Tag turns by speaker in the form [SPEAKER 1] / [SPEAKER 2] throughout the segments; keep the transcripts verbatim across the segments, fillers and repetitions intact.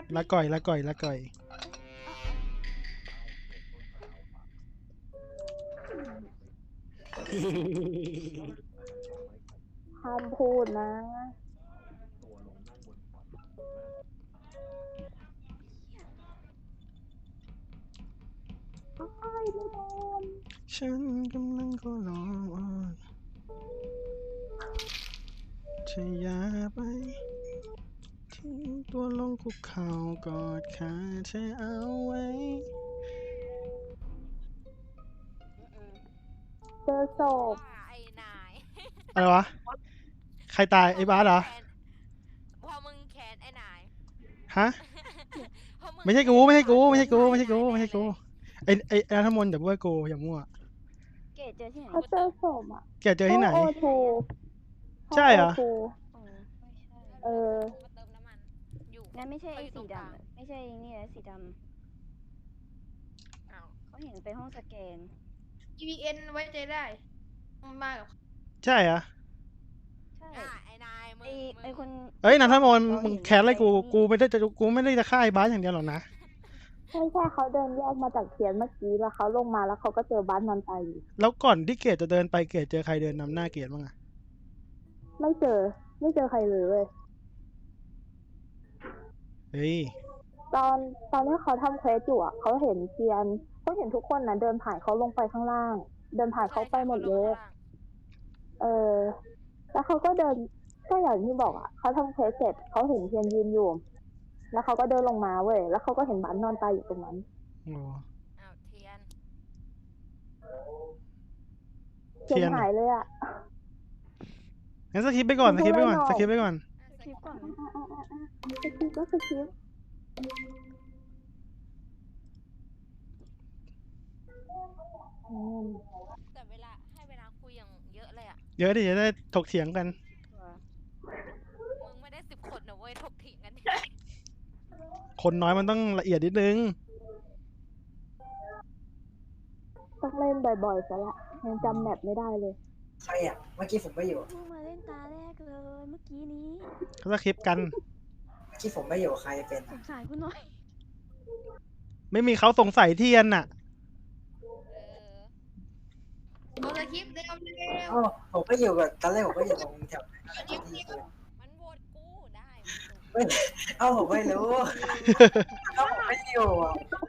[SPEAKER 1] ละก่อยละก่อยละก่อย
[SPEAKER 2] ห้ามพูดนะอ้ายไม่โดน
[SPEAKER 1] ฉันกำลังก็ร้องอ้อนเธออย่าไปทิ้งตัวลงคุกเข่ากอดขาเธอเอาไว้
[SPEAKER 2] เจอศพ
[SPEAKER 3] ว่าไอ้นาย
[SPEAKER 1] อะไรวะใครตายไอ้บาสเหรอ
[SPEAKER 3] พอมึงแขนไอ้นาย
[SPEAKER 1] ฮะ
[SPEAKER 3] พอมึง
[SPEAKER 1] ไม่ใช่กูไม่ใช่กูไม่ใช่กูไม่ใช่กู
[SPEAKER 3] แขน
[SPEAKER 1] ไม่ใช่กูไอ้ไอ้ไอ้นัทมนต์อย่าพูดว่ากูอย่ามั่ว
[SPEAKER 4] เกดเจอที่ไหน
[SPEAKER 2] เขาเจอศพอ่ะ
[SPEAKER 1] แกเจอที่ไหน
[SPEAKER 2] โอทู
[SPEAKER 1] ใช่เหรอ
[SPEAKER 2] โอทู
[SPEAKER 4] อ๋อไม่ใช่
[SPEAKER 2] เออ
[SPEAKER 3] มาเติมน้ำมันอยู่
[SPEAKER 4] งั้นไม่ใช่ไอ้
[SPEAKER 3] เขาอยู่ตร
[SPEAKER 4] สี
[SPEAKER 3] งกลาง
[SPEAKER 4] ดำไม่ใช่นี่นะสีด
[SPEAKER 3] อ้าว
[SPEAKER 4] ำเขาเห็นไปห้องสแกน
[SPEAKER 5] อี วี เอ็น ไว้ใจได้มากับ
[SPEAKER 1] ใช่เหรอ
[SPEAKER 4] ใช่
[SPEAKER 3] อ่ะไอ้นายมึง
[SPEAKER 4] ไอไอคน
[SPEAKER 1] เอ้ยนัทมนต์
[SPEAKER 4] เรา
[SPEAKER 1] มึง
[SPEAKER 4] เห็น
[SPEAKER 1] แค้นอะไรกู
[SPEAKER 4] ไปนี่
[SPEAKER 1] กูไม่ได้จะกูไม่ได้จะฆ่าไอ้บาสอย่างเดียวหรอกนะ
[SPEAKER 2] ใช่ใช่เขาเดินแยกมาจากเทียนเมื่อกี้แล้วเขาลงมาแล้วเขาก็เจอบ้านนอนตายอยู่
[SPEAKER 1] แล้วก่อนที่เกดจะเดินไปเกดเจอใครเดินนำหน้าเกดบ้างอะ
[SPEAKER 2] ไม่เจอ ไม่เจอใครเลยเว้ย
[SPEAKER 1] เฮ้ย
[SPEAKER 2] ตอนตอนที่เขาทำเควสอยู่อ่ะเขาเห็นเทียนเขาเห็นทุกคนนะเดินผ่านเขาลงไปข้างล่าง เดินผ่านเขาไปหมดเลย เออ แล้วเขาก็เดินก็อย่างที่บอกอ่ะเขาทำเควสเสร็จเขาเห็นเทียนยืนอยู่ แล้วเขาก็เดินลงมาเว้ยแล้วเขาก็เห็นบ้านนอนตายอยู่ตรงนั้น
[SPEAKER 1] โอ้
[SPEAKER 3] อ้าวเทียน
[SPEAKER 2] เทียนหายเลยอ่ะ
[SPEAKER 1] งั้นสคิปไปก่อนสคิปไปก่อนสคิปไปก่อน
[SPEAKER 4] คลิปก่อน
[SPEAKER 2] อ่ะอ่ะอ่ะอ่ะสคริปต์ก็สคริปต์อืม
[SPEAKER 3] แต่เวลาให้เวลาคุยอย่างเยอะเลยอ่ะ
[SPEAKER 1] เยอะดิจะได้ถกเถียงกัน
[SPEAKER 3] มึงไม่ได้สิบคนนะเว้ยถกเถียงกัน
[SPEAKER 1] คนน้อยมันต้องละเอียดนิดนึง
[SPEAKER 2] ต้องเล่นบ่อยๆซะละยังจำแมปไม่ได้เลย
[SPEAKER 6] ใครอ่ะ เมื่อกี้ผมไม่อยู่
[SPEAKER 4] เพิ่งมาเล่นตาแรกเลยเมื่อกี้นี้
[SPEAKER 1] เขาสคิปกัน
[SPEAKER 6] เมื่อกี้ผมไม่อยู่ใครเป็น
[SPEAKER 4] สงสารคุณหน่อย
[SPEAKER 1] ไม่มีเขาสงสัยเทียนน่ะ
[SPEAKER 3] เออ
[SPEAKER 5] โดนสคริปต์เร็วเร็ว
[SPEAKER 6] อ๋อผมไม่อยู่แบบตอนแรกผมก็อยู่ตรงแถวนั้น
[SPEAKER 5] อันนี้เร็ว
[SPEAKER 3] มันโหวตกูได้
[SPEAKER 6] เอ้าผมไม่รู้เอ้าผมไม่อยู่อ่ะ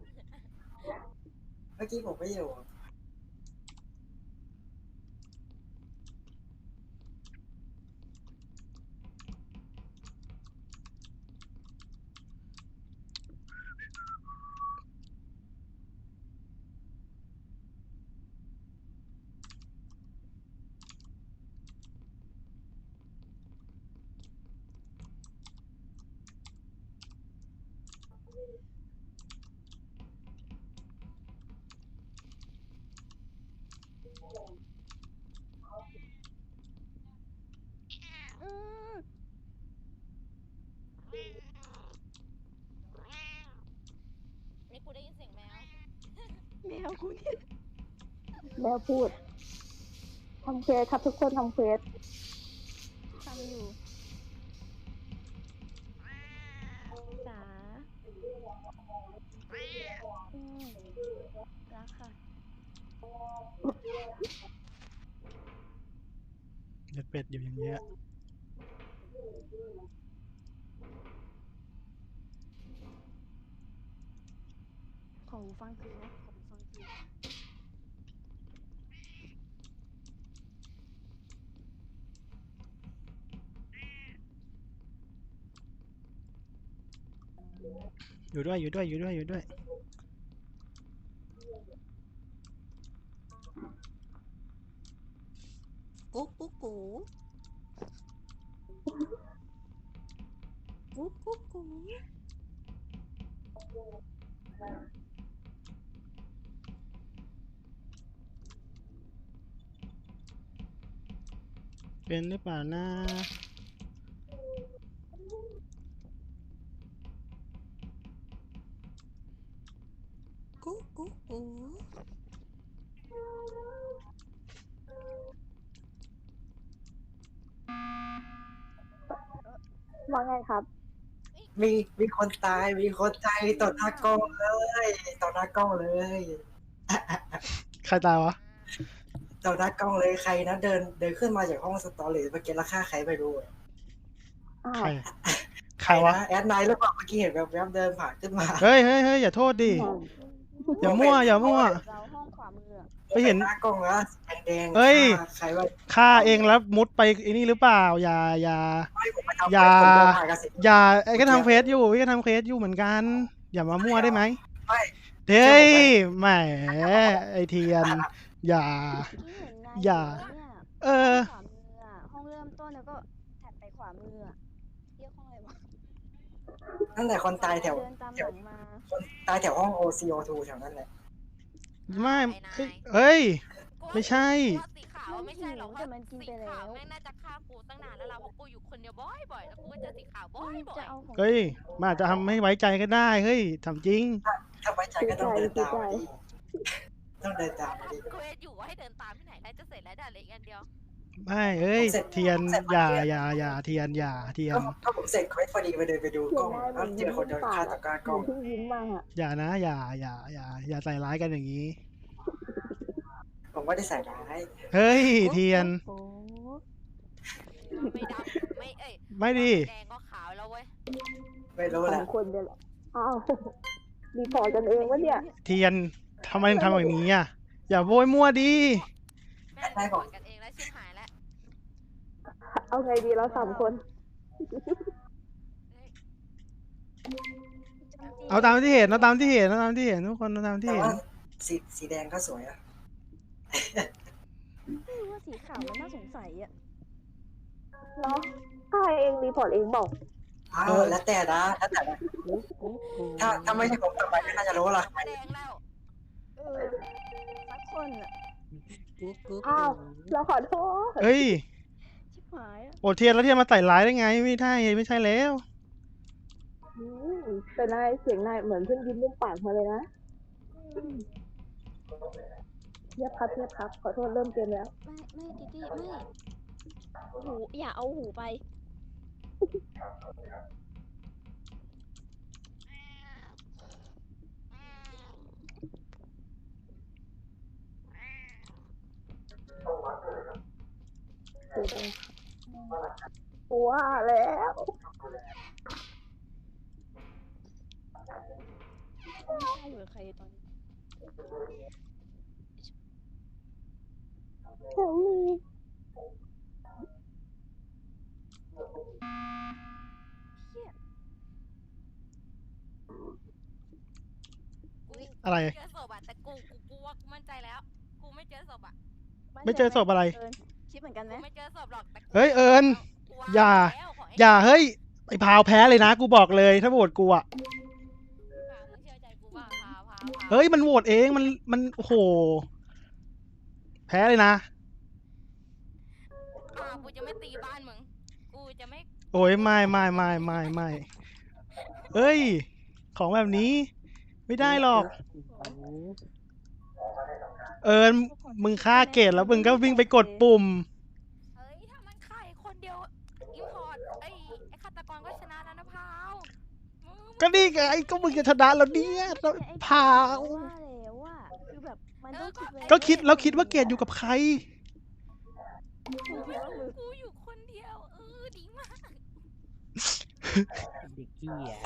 [SPEAKER 6] เมื่อกี้ผมไม่อยู่
[SPEAKER 4] อืม
[SPEAKER 3] นี่กูได้ยินเสียงแมว
[SPEAKER 4] แมวกูเนี่ย
[SPEAKER 2] แล้วพูดทำเควสครับทุกคนทำเควส
[SPEAKER 4] ทำอยู่จ๋าอืมรักค่ะ
[SPEAKER 1] เด็ดเป็ดอยู่อย่างเงี้ย
[SPEAKER 4] ขอหูฟังคืนนะขอหูฟังคืน
[SPEAKER 1] อยู่ด้วยอยู่ด้วยอยู่ด้วยอยู่ด้วย
[SPEAKER 7] กุ๊กกุ๊กกูกุ๊กกุ๊กกู
[SPEAKER 1] เป็นหรือเปล่านะ
[SPEAKER 7] กุ๊กกุ๊กกู
[SPEAKER 2] ว่าไงครับ
[SPEAKER 3] เอ้ย
[SPEAKER 6] มีมีคนตายมีคนตายต่อหน้ากล้องเลยต่อหน้ากล้องเลย
[SPEAKER 1] ใครตายวะ
[SPEAKER 6] ต่อหน้ากล้องเลยใครนะเดินเดินขึ้นมาจากห้องสตอรี่เมื่อกี้ราคาใครไม่รู้อะ
[SPEAKER 2] อ้า
[SPEAKER 1] ใคร
[SPEAKER 2] ว
[SPEAKER 1] ใครวะ
[SPEAKER 6] นะแอดไนท์หรือเปล่าเมื่อกี้เห็นแบบแบบเดินผ่านขึ้นมา
[SPEAKER 1] เฮ้ยเฮ้ยเฮ้ยอย่าโทษดิ อย่ามั่วอย่ามั่ว
[SPEAKER 4] เราห้องขวามืออะ
[SPEAKER 1] ไปเห็น
[SPEAKER 6] หน้ากล้องแล้วแดงๆ
[SPEAKER 1] เอ้ย
[SPEAKER 6] ฆ่าใครว่า
[SPEAKER 1] ฆ่าเองแล้วมุดไปไอ้นี่หรือเปล่า อย่าอย่า
[SPEAKER 6] ไม่ผมไปทำ
[SPEAKER 1] อย่า
[SPEAKER 6] ผมเดินผ่านกับสิ
[SPEAKER 1] อย่าไอ้ก็ทำเฟซอยู่ไอ้ก็ทำเฟซอยู่เหมือนกัน อย่ามามั่วได้ไหม
[SPEAKER 6] ไม่
[SPEAKER 1] เฮ้ยแหมไอเทียน อย่า
[SPEAKER 4] ที่เห็นนาย
[SPEAKER 1] อย่า
[SPEAKER 4] เนี่ย
[SPEAKER 1] เออ
[SPEAKER 4] ขวามืออะห้องเริ่มต้นแล้วก็ถัดไปขวามืออะเรียกห้องอะไรวะ
[SPEAKER 6] ตั้งแต่คนตายแถว
[SPEAKER 4] เดินตามหลังมา
[SPEAKER 6] คนตายแถวห้อง โอ ซี โอ ทู แถวนั้นแหละ
[SPEAKER 1] ไม่เอ้ยเอ้ย ไม่ใช่
[SPEAKER 3] กูว่าสีขาวไม่ใช่หรอก
[SPEAKER 4] แต่มันกิน
[SPEAKER 3] สี
[SPEAKER 4] ไปแล้
[SPEAKER 3] ขาว
[SPEAKER 4] ว
[SPEAKER 3] แม่งน่าจะฆ่ากูตั้งนานแล้วเราเพราะกูอยู่คนเดียวบ่อยๆแล้วกูก็เจอสีขาวบ่อย
[SPEAKER 4] จะเอาของ
[SPEAKER 1] เฮ้ยมันอาจจะทำให้ไว้ใจก็ได้ เฮ้ยทำจริง
[SPEAKER 6] ถ้าไว้ใจก็ต้องเดินตามมาดิต้องเดินตามมาดิ
[SPEAKER 3] ๆกูอยู่ว่าให้เดินตามที่ไหนได้จะเสร็จแล้วเดี๋ยวเหลืออีกอันเดียว
[SPEAKER 1] ไม่เอ้ย เทียน อย่าอย่าอย่าเทียน อย่า เทีย
[SPEAKER 6] ก็
[SPEAKER 1] น
[SPEAKER 6] ก็ผมเสร็จเควสพอดีไปเดินไปดู
[SPEAKER 2] เสี
[SPEAKER 6] ก
[SPEAKER 2] ย
[SPEAKER 6] ล้อง
[SPEAKER 2] งนายเหมื
[SPEAKER 6] แล้
[SPEAKER 2] อ
[SPEAKER 6] วน เจอคนเดินฆ่าตะกร้าก
[SPEAKER 2] เห
[SPEAKER 6] ล้
[SPEAKER 2] มื
[SPEAKER 6] อ
[SPEAKER 2] อง นเพิ่งยิ้มมาอะ
[SPEAKER 1] อย่านะ อย่าอย่าอย่าอย่าใส่ร้ายกันอย่างนี้
[SPEAKER 6] ผมไม่ได้ใส่ร้าย
[SPEAKER 1] เฮ้ย เทียน
[SPEAKER 4] โอ้โห
[SPEAKER 3] ไม่ดำไม่เอ้ย
[SPEAKER 1] ไม่ดิ
[SPEAKER 3] แดงก็ขาวแล้วเว้ย
[SPEAKER 6] ไม่รู้
[SPEAKER 2] ส
[SPEAKER 6] แห
[SPEAKER 2] อ
[SPEAKER 6] ละ
[SPEAKER 2] งคนเนี่ยแหละอ้าวรีพอร์ตกันเองวะเนี่ย
[SPEAKER 1] เทียนทำไมถึงทำแบบนี้อ่ะ อย่าโวยมั่วดิ
[SPEAKER 3] แม่งได้บอกกันเองแล้วชิบหายแล้ว
[SPEAKER 2] เอาไงดีเราสามคน
[SPEAKER 1] เอาตามที่เห็นเอาตามที่เห็นเอาตามที่เห็นทุกคนเอาตามที่
[SPEAKER 6] แต่
[SPEAKER 1] เห็น
[SPEAKER 6] ว่าสีสีแดงก็สวยอะ
[SPEAKER 4] ไม่รู้ว่าสีขาวมันน่าสงสัยอะ
[SPEAKER 2] เนาะถ้าเองรีพอร์ตเองบอก
[SPEAKER 6] อ้าวแล้วแต่นะแล้วแต่นะถ้าถ้าไม่ใช่ผมต่อไปก็น่าจะรู้ละ
[SPEAKER 3] แดงแล้ว
[SPEAKER 4] เออสักคนอะ
[SPEAKER 7] กูกู
[SPEAKER 2] อ้าว เราขอโทษ
[SPEAKER 1] เฮ้ย
[SPEAKER 4] ชิบหายอะ
[SPEAKER 1] โอเทียนแล้วเทียนมาใส่ร้ายได้ไง ไม่ใช่ไม่ใช่แล้ว
[SPEAKER 2] อืมแต่นายเสียงนายเหมือนเพิ่งยิ้มมุมปากมาเลยนะเงียบครับเงียบครับ ขอโทษเริ่มเกมแล้ว
[SPEAKER 4] ไม่ไม่ดิดิไม่หูอย่าเอาหูไป
[SPEAKER 2] ว่าแล้ว
[SPEAKER 4] ไม่ใช่อยู่กับใครตอนนี้
[SPEAKER 2] แถวนี้
[SPEAKER 1] อะไร
[SPEAKER 3] เจอศพอะแต่กูกูกูว่ากูมั่นใจแล้ว กูไม่เจอศพอะ
[SPEAKER 1] ไม่เจอศพอะไร
[SPEAKER 4] เอิญคิดเหมือนกันไหม
[SPEAKER 3] กูไม่เจอศพหรอกแต่กู
[SPEAKER 1] เฮ้ยเอิญ
[SPEAKER 3] กูว่
[SPEAKER 1] อย่า
[SPEAKER 3] แล้วขให้
[SPEAKER 1] อย่าเฮ้ยไอ้พาวแพ้เลยนะ กูบอกเลยถ้าโหวตกูอ่ะ
[SPEAKER 3] พามึงเชื่อใจกูบ้างพาพาพา
[SPEAKER 1] เฮ้ยมันโหวตเองมันมันโอ้โห แพ้เลยนะ
[SPEAKER 3] พากูจะไม่ตีบ้านมึง กูจะไม่
[SPEAKER 1] โอ้ยไม่ไม่ไม่ไม่ไม่เอ้ย ของแบบนี้ ไม่ได้หรอก เอิญมึงฆ่าเกตแล้วมึงก็วิ่งไปกดปุ่ม
[SPEAKER 3] เฮ้ยถ้ามันฆ่าอีกคนเดียวอิมพอร์ตไอ้ไอ้ฆาตกรก็ชนะแล้วนะพาวมึง
[SPEAKER 1] ก็นี่ไงก็มึงจะชนะแล้วเนี่ยแล้วพาว
[SPEAKER 4] ว่าแล้วว่าคือแบบมันต้องคิดไว้
[SPEAKER 1] ก็คิดแล้วคิดว่าเกตอยู่กับใคร
[SPEAKER 4] กูคิดว่ามือ
[SPEAKER 3] กูอยู่คนเดียวเออดีมาก
[SPEAKER 8] เด็กขี้อ่ะ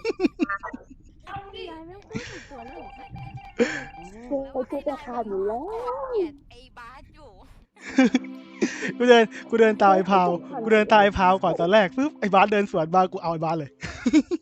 [SPEAKER 4] ยายไม่พูดถึงตัวเลย
[SPEAKER 2] กูกูจะขาดอยู่แล้ว
[SPEAKER 3] เกลียดไอ้บาสอยู่
[SPEAKER 1] กูเดินกูเดินตามไอ้พาวกูเดินตามไอ้พาวก่อนตอนแรกปุ๊บไอ้บาสเดินสวนมากูเอาไอ้บาสเลย